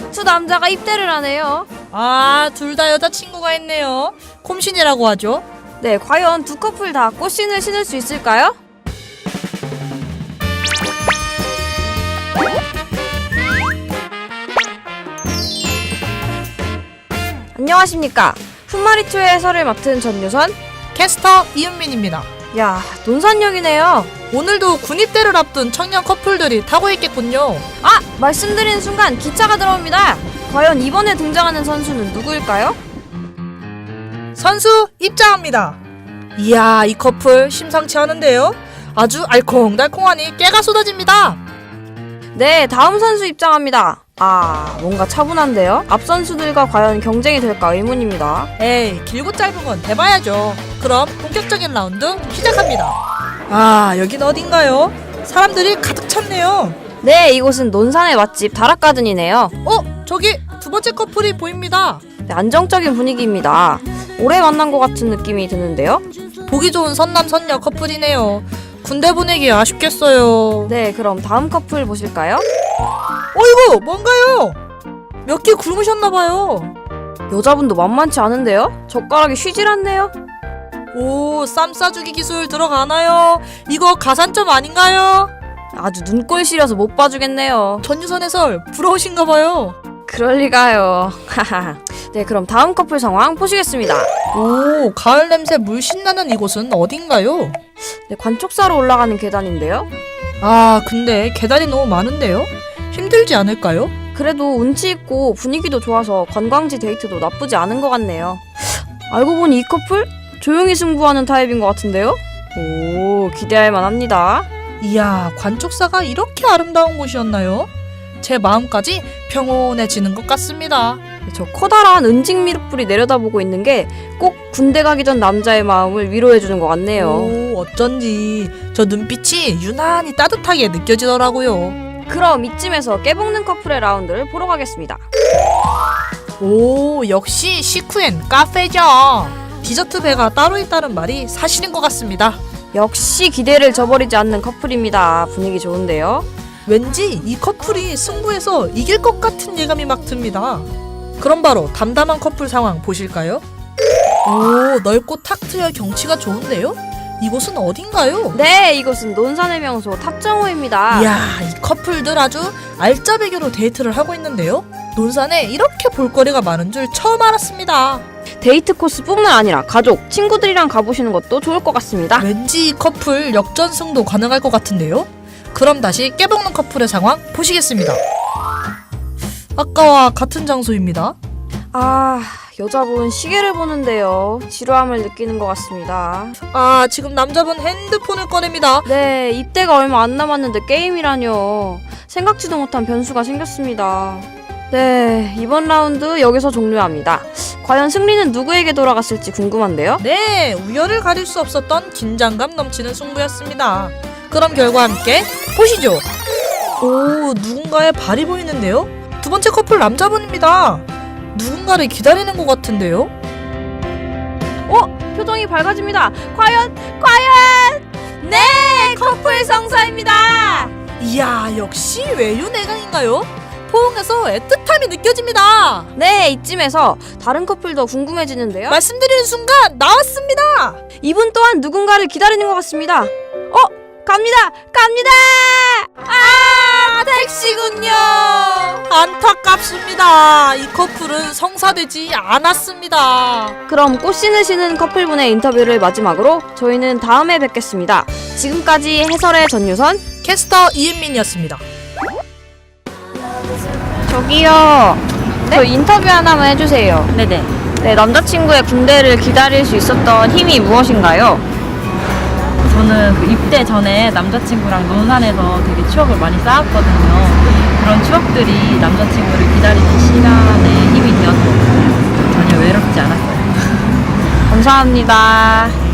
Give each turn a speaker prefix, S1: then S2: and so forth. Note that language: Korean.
S1: 두 남자가 입대를 하네요.
S2: 아, 둘 다 여자친구가 있네요. 콤신이라고 하죠.
S1: 네, 과연 두 커플 다 꽃신을 신을 수 있을까요? 안녕하십니까. 훗마리투의 해설을 맡은 전유선.
S2: 캐스터 이은민입니다.
S1: 야, 논산역이네요.
S2: 오늘도 군입대를 앞둔 청년 커플들이 타고 있겠군요.
S1: 아! 말씀드리는 순간 기차가 들어옵니다. 과연 이번에 등장하는 선수는 누구일까요?
S2: 선수 입장합니다. 이야, 이 커플 심상치 않은데요? 아주 알콩달콩하니 깨가 쏟아집니다.
S1: 네, 다음 선수 입장합니다. 아, 뭔가 차분한데요? 앞 선수들과 과연 경쟁이 될까 의문입니다.
S2: 에이, 길고 짧은 건 대봐야죠. 그럼 본격적인 라운드 시작합니다. 아, 여긴 어딘가요? 사람들이 가득 찼네요.
S1: 네, 이곳은 논산의 맛집 다락가든이네요.
S2: 저기 두 번째 커플이 보입니다.
S1: 네, 안정적인 분위기입니다. 오래 만난 것 같은 느낌이 드는데요.
S2: 보기 좋은 선남 선녀 커플이네요. 군대 보내기 아쉽겠어요.
S1: 네, 그럼 다음 커플 보실까요?
S2: 어이구, 뭔가요? 몇 개 굶으셨나봐요.
S1: 여자분도 만만치 않은데요? 젓가락이 쉬질 않네요.
S2: 오, 쌈 싸주기 기술 들어가나요? 이거 가산점 아닌가요?
S1: 아주 눈꼴 시려서 못 봐주겠네요.
S2: 전유선 해설 부러우신가봐요.
S1: 그럴리가요. 네, 그럼 다음 커플 상황 보시겠습니다.
S2: 오, 가을 냄새 물씬 나는 이곳은 어딘가요?
S1: 네, 관촉사로 올라가는 계단인데요.
S2: 아, 근데 계단이 너무 많은데요? 힘들지 않을까요?
S1: 그래도 운치 있고 분위기도 좋아서 관광지 데이트도 나쁘지 않은 것 같네요. 알고 보니 이 커플? 조용히 승부하는 타입인 것 같은데요? 오, 기대할 만합니다.
S2: 이야, 관촉사가 이렇게 아름다운 곳이었나요? 제 마음까지 평온해지는 것 같습니다.
S1: 저 커다란 은직 미륵불이 내려다보고 있는 게 꼭 군대 가기 전 남자의 마음을 위로해주는 것 같네요.
S2: 오, 어쩐지 저 눈빛이 유난히 따뜻하게 느껴지더라고요.
S1: 그럼 이쯤에서 깨볶는 커플의 라운드를 보러 가겠습니다.
S2: 오, 역시 시쿠엔 카페죠. 디저트 배가 따로 있다는 말이 사실인 것 같습니다.
S1: 역시 기대를 저버리지 않는 커플입니다. 분위기 좋은데요?
S2: 왠지 이 커플이 승부에서 이길 것 같은 예감이 막 듭니다. 그럼 바로 담담한 커플 상황 보실까요? 오, 넓고 탁 트여 경치가 좋은데요? 이곳은 어딘가요?
S1: 네, 이곳은 논산의 명소 탑정호입니다.
S2: 이야, 이 커플들 아주 알짜배기로 데이트를 하고 있는데요? 논산에 이렇게 볼거리가 많은 줄 처음 알았습니다.
S1: 데이트 코스뿐만 아니라 가족, 친구들이랑 가보시는 것도 좋을 것 같습니다.
S2: 왠지 이 커플 역전승도 가능할 것 같은데요? 그럼 다시 깨볶는 커플의 상황 보시겠습니다. 아까와 같은 장소입니다.
S1: 아, 여자분 시계를 보는데요. 지루함을 느끼는 것 같습니다.
S2: 아, 지금 남자분 핸드폰을 꺼냅니다.
S1: 네, 입대가 얼마 안 남았는데 게임이라뇨. 생각지도 못한 변수가 생겼습니다. 네, 이번 라운드 여기서 종료합니다. 과연 승리는 누구에게 돌아갔을지 궁금한데요?
S2: 네, 우열을 가릴 수 없었던 긴장감 넘치는 승부였습니다. 그럼 결과 함께 보시죠. 오, 누군가의 발이 보이는데요? 두 번째 커플 남자분입니다. 누군가를 기다리는 것 같은데요?
S1: 표정이 밝아집니다. 과연! 네! 커플 성사입니다!
S2: 이야, 역시 외유내강인가요? 포옹에서 애틋함이 느껴집니다.
S1: 네, 이쯤에서 다른 커플도 궁금해지는데요.
S2: 말씀드리는 순간 나왔습니다.
S1: 이분 또한 누군가를 기다리는 것 같습니다. 갑니다! 아, 택시군요!
S2: 안타깝습니다. 이 커플은 성사되지 않았습니다.
S1: 그럼 꽃신을 신은 커플분의 인터뷰를 마지막으로 저희는 다음에 뵙겠습니다. 지금까지 해설의 전유선,
S2: 캐스터 이은민이었습니다.
S1: 저기요. 네? 저 인터뷰 하나만 해주세요.
S3: 네네.
S1: 네, 남자친구의 군대를 기다릴 수 있었던 힘이 무엇인가요?
S3: 저는 그 입대 전에 남자친구랑 논산에서 되게 추억을 많이 쌓았거든요. 그런 추억들이 남자친구를 기다리는 시간에 힘이 되었던 것 같아요. 전혀 외롭지 않았어요.
S1: 감사합니다.